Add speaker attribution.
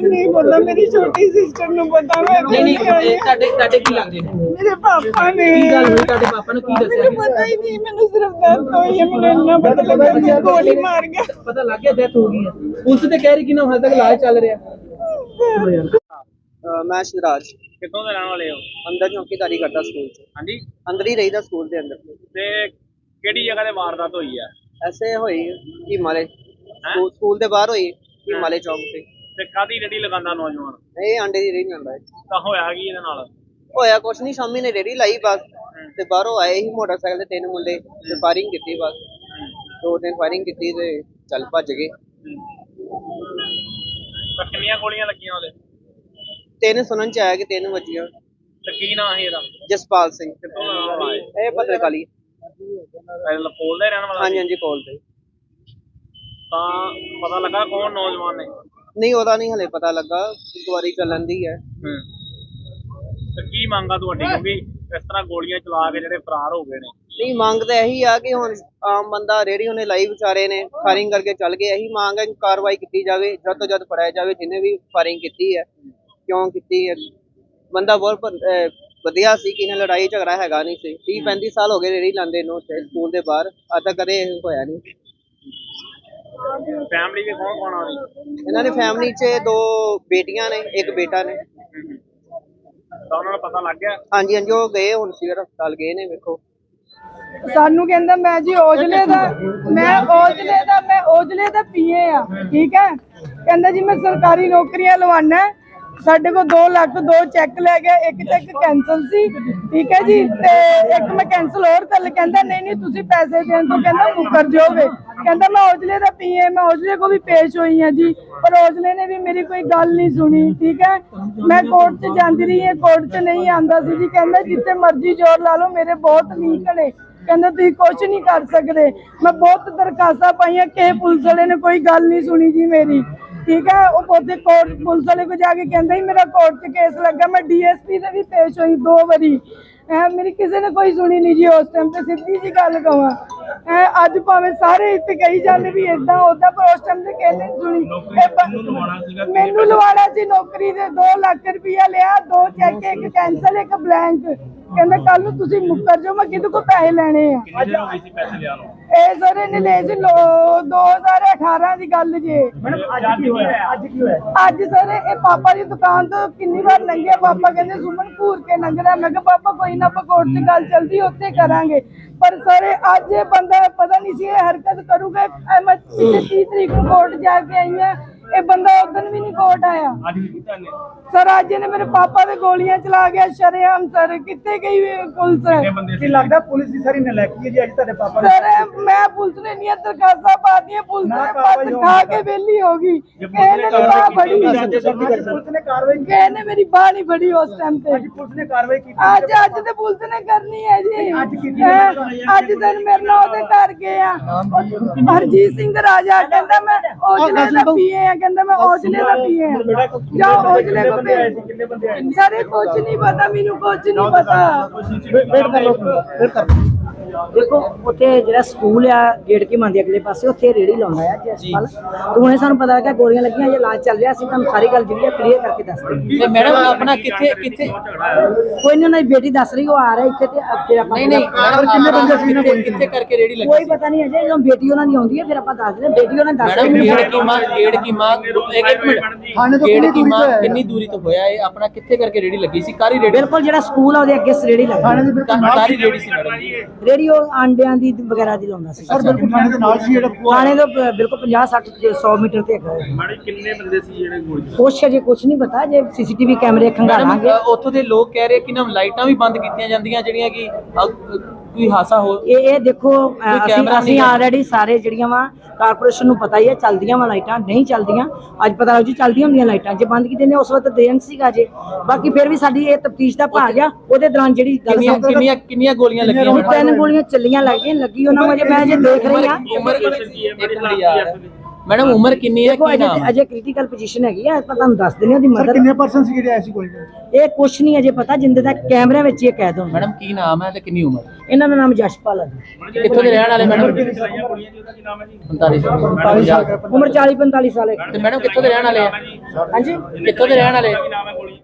Speaker 1: नहीं पता, मेरी छोटी सिस्टर नु पता।
Speaker 2: नहीं ਤੁਹਾਡੇ ਕੀ ਲੱਗਦੇ ਨੇ?
Speaker 1: मेरे पापा ने
Speaker 2: ਕੀ ਗੱਲ ਹੋਈ ਤੁਹਾਡੇ ਪਾਪਾ ਨੇ ਕੀ ਦੱਸਿਆ?
Speaker 1: मैंने पता ही नहीं, मैंने सिर्फ दर्द हुई है, मैंने इतना पता लगा मैं गोली मार गया।
Speaker 2: ਪਤਾ ਲੱਗ ਗਿਆ ਡੈਥ ਹੋ ਗਈ ਹੈ। ਪੁਲਿਸ ਤੇ ਕਹਿ ਰਹੀ ਕਿ ਨਾ ਹਾਲ ਤੱਕ ਇਲਾਜ ਚੱਲ ਰਿਹਾ।
Speaker 3: मैं शिवराज
Speaker 4: ਕਿੱਥੋਂ ਦੇ ਰਹਿਣ ਵਾਲੇ ਹੋ?
Speaker 3: अंदर चौकीदारी करता स्कूल च,
Speaker 4: ਹਾਂਜੀ
Speaker 3: अंदर ही रहीदा स्कूल के अंदर।
Speaker 4: ਤੇ ਕਿਹੜੀ ਜਗ੍ਹਾ ਤੇ ਵਾਰਦਾਤ ਹੋਈ ਹੈ?
Speaker 3: ऐसे होई हिमालय स्कूल के बाहर हुई हिमालय चौक से।
Speaker 4: ਤੇ ਕਾਦੀ ਰੇੜੀ ਲਗਾਉਂਦਾ ਨੌਜਵਾਨ?
Speaker 3: ये आंडे दी रेहड़ी लंदा है।
Speaker 4: ਤਾਂ ਹੋਇਆ ਕੀ ਇਹਦੇ ਨਾਲ?
Speaker 3: होया कुछ नहीं, शामी ने रेहड़ी लाई बस ते बाहरों आए ही मोटरसाइकिल ते 3 मुंडे ते फायरिंग की बस। 2-3 फायरिंग की ते चल भज गए।
Speaker 4: ਤਾਂ ਕਿੰਨੀਆਂ ਗੋਲੀਆਂ ਲੱਗੀਆਂ ਉਹਦੇ?
Speaker 3: 3 सुनन च आया कि 3 वजियां।
Speaker 4: ਤੇ ਕੀ ਨਾਂ ਸੀ ਇਹਦਾ?
Speaker 3: जसपाल सिंह
Speaker 4: ਕਿੱਥੋਂ ਦਾ ਰਹਿਣ ਵਾਲਾ ਹੈ?
Speaker 3: ये पत्रकाली।
Speaker 4: ਇਹ ਲਪੋਲ ਦਾ ਰਹਿਣ ਵਾਲਾ
Speaker 3: हाँ
Speaker 4: ਸੀ?
Speaker 3: जी हाँ जी कॉल पे
Speaker 4: ਤਾਂ ਪਤਾ ਲੱਗਾ ਕੌਣ ਨੌਜਵਾਨ ਨੇ?
Speaker 3: नहीं ओदा नहीं हले पता लगा, इंक्वायरी चलन दी है।
Speaker 4: ਤੇ ਕੀ ਮੰਗਾ ਤੁਹਾਡੀ, ਕਿਉਂਕਿ ਇਸ ਤਰ੍ਹਾਂ ਗੋਲੀਆਂ ਚਲਾ ਕੇ ਜਿਹੜੇ ਫਰਾਰ ਹੋ ਗਏ ਨੇ?
Speaker 3: नहीं मांग तो यही आ कि हुण आम बंदा रेहड़ी उन्हें लाई बेचारे ने फायरिंग करके चल गए। यही मांग है कि कार्रवाई की जाए, जद तो जद फड़ाया जाए जिन्हें भी फायरिंग की है, क्यों की है। बंदा बहुत वधिया सी कि इन्हें लड़ाई झगड़ा हैगा नहीं सी। 30-35 साल हो गए रेहड़ी लांदे नूं स्कूल के बाहर, अज तक कदे होया नहीं।
Speaker 4: ਫੈਮਿਲੀ ਦੇ ਕੌਣ ਕੌਣ ਆ ਰਹੀ?
Speaker 3: इन्हां दी फैमिली च 2 बेटियां ने, एक बेटा ने।
Speaker 4: ਤਾਂ ਉਹਨਾਂ ਨੂੰ ਪਤਾ ਲੱਗ ਗਿਆ?
Speaker 3: हाँ जी हाँ जी वो गए हुण सिविल हस्पताल गए ने। वेखो
Speaker 1: सानू कहंदा मैं जी ओजले दा पीए आ, ठीक है। कहंदा जी मैं सरकारी नौकरियां लवाना है। साडे को 2 लाख 2 चैक लै गया, एक चैक कैंसल सी, ठीक है जी, ते एक मैं कैंसल और कर ले। कहंदा नहीं तुसी पैसे देन तो कहंदा मुकर जाओगे। कहंदा मैं ओजले दा पीए, मैं ओजले को भी पेश हुई है जी, पर ओजले ने भी मेरी कोई गल नहीं सुनी, ठीक है। मैं कोर्ट च जांदी रही है, कोर्ट च नहीं आंदा सी जी। कहंदा जिथे मर्जी जोर ला लो, मेरे बहुत लीक ने। कहंदा तुसीं कुछ नहीं कर सकदे। मैं बहुत दरखास्तां पाईयां, कि पुलिस वाले ने कोई गल नहीं सुनी जी मेरी, ठीक है। वो पोते कोर्ट पुलिस वाले को जाके कहंदा ही मेरा कोर्ट च केस लगा। मैं DSP से भी पेश हुई 2 बारी, मेरी किसी ने कोई सुनी नहीं जी। उस टाइम ते सीधी जी गल कहां, अज भावें सारे इत्थे कही जाने भी इदां उदां, पर उस टाइम ते किसी ने सुनी। मैनू लवाना सी नौकरी दे 2 लाख रुपया लिया, 2 चेक, एक कैंसल, एक ब्लैंक। कहंदा कल नूं तुसीं मुकर जाओ, मैं किदे को पैसे लेने आ।
Speaker 4: ਕਿੰਨੇ ਦਿਨ ਹੋ ਗਏ ਸੀ ਪੈਸੇ ਲਿਆ ਨੂੰ?
Speaker 1: ਇਹ ਸਰ ਇਹਨੇ ਲਏ ਸੀ 2018 ਦੀ ਗੱਲ ਜੇ।
Speaker 4: ਅੱਜ ਕੀ ਹੋਇਆ?
Speaker 1: ਅੱਜ ਸਰ ਇਹ ਪਾਪਾ ਦੀ ਦੁਕਾਨ ਤੋਂ ਕਿੰਨੀ ਵਾਰ ਲੰਘਿਆ, ਪਾਪਾ ਕਹਿੰਦੇ ਸੁਮਨ ਘੂਰ ਕੇ ਲੰਘਦਾ। ਮੈਂ ਕਿਹਾ ਪਾਪਾ ਕੋਈ ਨਾ, ਆਪਾਂ ਕੋਰਟ 'ਚ ਗੱਲ ਚੱਲਦੀ ਉੱਥੇ ਕਰਾਂਗੇ। ਪਰ ਸਰ ਅੱਜ ਇਹ ਬੰਦਾ ਪਤਾ ਨਹੀਂ ਸੀ ਇਹ ਹਰਕਤ ਕਰੂਗਾ। ਮੈਂ ਪਿਛਲੇ 30 ਤਰੀਕ ਨੂੰ ਕੋਰਟ ਜਾ ਕੇ ਆਈ ਹਾਂ, ਇਹ ਬੰਦਾ ਉਦੋਂ ਵੀ ਨਹੀਂ ਕੋਰਟ ਆਇਆ।
Speaker 4: ਅੱਜ ਵੀ ਕੀਤਾ ਨੇ?
Speaker 1: ਸਰ ਅੱਜ ਇਹਨੇ ਮੇਰੇ ਪਾਪਾ ਦੇ ਗੋਲੀਆਂ ਚਲਾ ਗਿਆ ਸ਼ਰੇਆਮ। ਸਰ ਕਿੱਥੇ ਗਈ ਪੁਲਿਸ?
Speaker 4: ਕਿੰਨੇ ਬੰਦੇ ਸੀ?
Speaker 5: ਲੱਗਦਾ ਪੁਲਿਸ ਦੀ ਸਾਰੀ ਨਲਾਇਕੀ ਹੈ ਜੀ ਅੱਜ ਤੁਹਾਡੇ ਪਾਪਾ ਨੇ।
Speaker 1: ਸਰ ਮੈਂ ਪੁਲਿਸ ਨੇ ਇੰਨੀਆਂ ਦਰਖਾਸਤਾਂ ਪਾਤੀਆਂ, ਪੁਲਿਸ ਨੇ ਬਸ ਖਾ ਕੇ ਵਿਹਲੀ ਹੋ ਗਈ। ਇਹਨੇ ਬਾਹ ਫੜੀ,
Speaker 5: ਪੁਲਿਸ ਨੇ ਕਾਰਵਾਈ ਕੀਤੀ।
Speaker 1: ਇਹਨੇ ਮੇਰੀ ਬਾਹ ਨਹੀਂ ਫੜੀ ਉਸ ਟਾਈਮ ਤੇ।
Speaker 5: ਪੁਲਿਸ ਨੇ ਕਾਰਵਾਈ ਕੀਤੀ।
Speaker 1: ਅੱਜ ਤੇ ਪੁਲਿਸ ਨੇ ਕਰਨੀ ਹੈ ਜੀ।
Speaker 5: ਅੱਜ ਕੀਤੀ
Speaker 1: ਅੱਜ ਸਰ ਮੇਰੇ ਨਾਲ ਉਹਦੇ ਘਰ ਗਏ ਆ, ਹਰਜੀਤ ਸਿੰਘ ਰਾਜਾ ਕਹਿੰਦਾ ਮੈਂ ਔਜਲੇ ਦਾ ਪੀਏ ਆ, ਕਹਿੰਦਾ ਮੈਂ ਔਜਲੇ ਦਾ ਪੀਏ ਆ। ਜਾਓ ਔਜਲੇ ਕੋ ਭੇਜ।
Speaker 5: ਕਿੰਨੇ ਬੰਦੇ ਆਏ?
Speaker 1: ਸਾਰੇ ਕੁਝ ਨਹੀਂ ਪਤਾ ਮੈਨੂੰ, ਕੁਝ ਨਹੀਂ ਪਤਾ।
Speaker 6: देखो उत्थे जेड़ा स्कूल आ गेट की मंदी अगले पासे उत्थे रेड़ी लाउंदा है जसपाल। तो हुणे सानू पता लगा गोलियां लगियां, ये इलाज चल रहा सी। तुहानू सारी गल जेहड़ी क्लियर करके दस दे।
Speaker 2: ਤੇ ਮੈਡਮ ਆਪਣਾ ਕਿੱਥੇ ਕਿੱਥੇ
Speaker 6: कोई नहीं, उन्हें बेटी दस रही वो आ रहा इत्थे ते फिर आपां
Speaker 2: ਨਹੀਂ ਮੈਡਮ ਕਿੰਨੇ ਬੰਦੇ ਸੀ? ਕਿੱਥੇ ਕਰਕੇ ਰੇੜੀ ਲੱਗੀ
Speaker 6: कोई
Speaker 2: ਸੀ?
Speaker 6: पता नहीं है जे ਜਦੋਂ बेटी ਉਹਨਾਂ ਦੀ ਆਉਂਦੀ ਹੈ ਫਿਰ ਆਪਾਂ ਦੱਸ ਦਿੰਦੇ। बेटी ਉਹਨਾਂ ਦੱਸ
Speaker 2: ਮੈਡਮ
Speaker 6: ਰਹੀ
Speaker 2: ਗੇੜ ਕੀ ਮਾਂ ਇੱਕ ਮਿੰਟ, ਗੇੜ ਕੀ ਮਾਂ ਕਿੰਨੀ ਦੂਰੀ ਤੋਂ ਹੋਇਆ ਇਹ? ਆਪਣਾ ਕਿੱਥੇ ਕਰਕੇ ਰੇੜੀ ਲੱਗੀ ਸੀ? ਕਾਰੀ ਰੇੜੀ?
Speaker 6: ਬਿਲਕੁਲ ਜਿਹੜਾ ਸਕੂਲ ਆ ਉਹਦੇ ਅੱਗੇ ਰੇੜੀ ਲੱਗੀ।
Speaker 2: ਕਾਰੀ ਰੇੜੀ ਸੀ ਮੈਡਮ ਜੀ?
Speaker 6: ਰੇੜੀ ਉਹ ਆਂਡਿਆਂ ਦੀ ਵਗੈਰਾ ਦੀ ਲਾਉਂਦਾ ਸੀ।
Speaker 5: ਸਰ ਬਿਲਕੁਲ ਥਾਣੇ ਦੇ ਨਾਲ ਸੀ ਜਿਹੜਾ
Speaker 6: ਥਾਣੇ ਤੋਂ ਬਿਲਕੁਲ 50-60 100 ਮੀਟਰ ਤੇ ਹੈਗਾ ਹੈ।
Speaker 4: ਮਾੜੀ ਕਿੰਨੇ ਬੰਦੇ ਸੀ ਜਿਹੜੇ ਗੋਲੀ?
Speaker 6: ਕੁਛ ਅਜੇ ਕੁਛ ਨਹੀਂ ਪਤਾ, ਜੇ CCTV ਕੈਮਰੇ ਖੰਗਾਲਾਂਗੇ।
Speaker 2: ਮੈਡਮ ਉੱਥੋਂ ਦੇ ਲੋਕ ਕਹਿ ਰਹੇ ਕਿ ਨਾ ਲਾਈਟਾਂ ਵੀ ਬੰਦ ਕੀਤੀਆਂ ਜਾਂਦੀਆਂ ਜਿਹੜੀਆਂ ਕਿ ਕੋਈ ਹਾਸਾ ਹੋ।
Speaker 6: ਇਹ ਦੇਖੋ
Speaker 2: ਕੈਮਰਾ
Speaker 6: ਅਸੀਂ ਆਲਰੇਡੀ ਸਾਰੇ ਜਿਹੜੀਆਂ ਵਾ ਕਾਰਪੋਰੇਸ਼ਨ ਨੂੰ ਪਤਾ ਹੀ ਹੈ ਚੱਲਦੀਆਂ ਵਾ ਲਾਈਟਾਂ, ਨਹੀਂ ਚੱਲਦੀਆਂ ਅੱਜ ਪਤਾ ਲੱਗ ਜੂ ਚੱਲਦੀਆਂ ਹੁੰਦੀਆਂ ਲਾਈਟਾਂ। ਜੇ ਬੰਦ ਕੀਤੇ ਨੇ ਉਸ ਵਕਤ ਦੇਣ ਸੀਗਾ ਜੇ। ਬਾਕੀ ਫਿਰ ਵੀ ਸਾਡੀ ਇਹ ਤਫਤੀਸ਼ ਦਾ ਭਾਗ ਆ। ਉਹਦੇ ਦੌਰਾਨ ਜਿਹੜੀ
Speaker 2: ਕਿੰਨੀਆਂ ਗੋਲੀਆਂ ਲੱਗੀਆਂ?
Speaker 6: 3 ਗੋਲੀਆਂ ਚੱਲੀਆਂ ਲੱਗੀ ਉਹਨਾਂ ਨੂੰ। ਅਜੇ ਮੈਂ ਜੇ ਦੇਖ ਰਹੀ ਹਾਂ
Speaker 2: ਉਮਰ ਇੱਕ ਹੁੰਦੀ ਆ ਮੈਡਮ ਉਮਰ ਕਿੰਨੀ ਹੈ,
Speaker 6: ਦੇਖੋ
Speaker 2: ਕੀ ਨਾਮ ਹੈ?
Speaker 6: ਅਜੇ ਕ੍ਰਿਟੀਕਲ ਪੋਜੀਸ਼ਨ ਹੈਗੀ ਆ, ਆਪਾਂ ਤੁਹਾਨੂੰ ਦੱਸ ਦਿੰਦੇ ਹਾਂ ਉਹਦੀ
Speaker 5: ਸਰ
Speaker 6: ਮਦਰ।
Speaker 5: ਕਿੰਨੇ ਪਰਸਨ ਸੀ ਜਿਹੜੇ ਆਏ ਸੀ ਗੋਲੀ ਤੇ?
Speaker 6: ਇਹ ਕੁਛ ਨਹੀਂ ਅਜੇ ਪਤਾ, ਜਿੰਦੇ ਤੱਕ ਕੈਮਰੇ ਵਿੱਚ ਇਹ ਕੈਦ ਹੋਣਾ।
Speaker 2: ਮੈਡਮ ਕੀ ਨਾਮ ਹੈ ਤੇ ਕਿੰਨੀ ਉਮਰ?
Speaker 6: ਇਹਨਾਂ ਦਾ ਨਾਮ ਜਸ਼ਪਾਲ ਹੈ ਜੀ।
Speaker 2: ਕਿੱਥੋਂ ਦੇ ਰਹਿਣ ਵਾਲੇ ਮੈਡਮ?
Speaker 4: ਚਲਾਈਆਂ ਗੋਲੀਆਂ ਜੀ, ਉਹਦਾ ਕੀ ਨਾਮ ਹੈ ਜੀ?
Speaker 2: 45 ਸਾਲ।
Speaker 6: ਉਮਰ 40-45 ਸਾਲ ਹੈ।
Speaker 2: ਤੇ ਮੈਡਮ ਕਿੱਥੋਂ ਦੇ ਰਹਿਣ ਵਾਲੇ ਆ?
Speaker 6: ਹਾਂਜੀ
Speaker 2: ਕਿੱਥੋਂ ਦੇ ਰਹਿਣ ਵਾਲੇ?
Speaker 4: ਕੀ ਨਾਮ ਹੈ ਗੋਲੀ?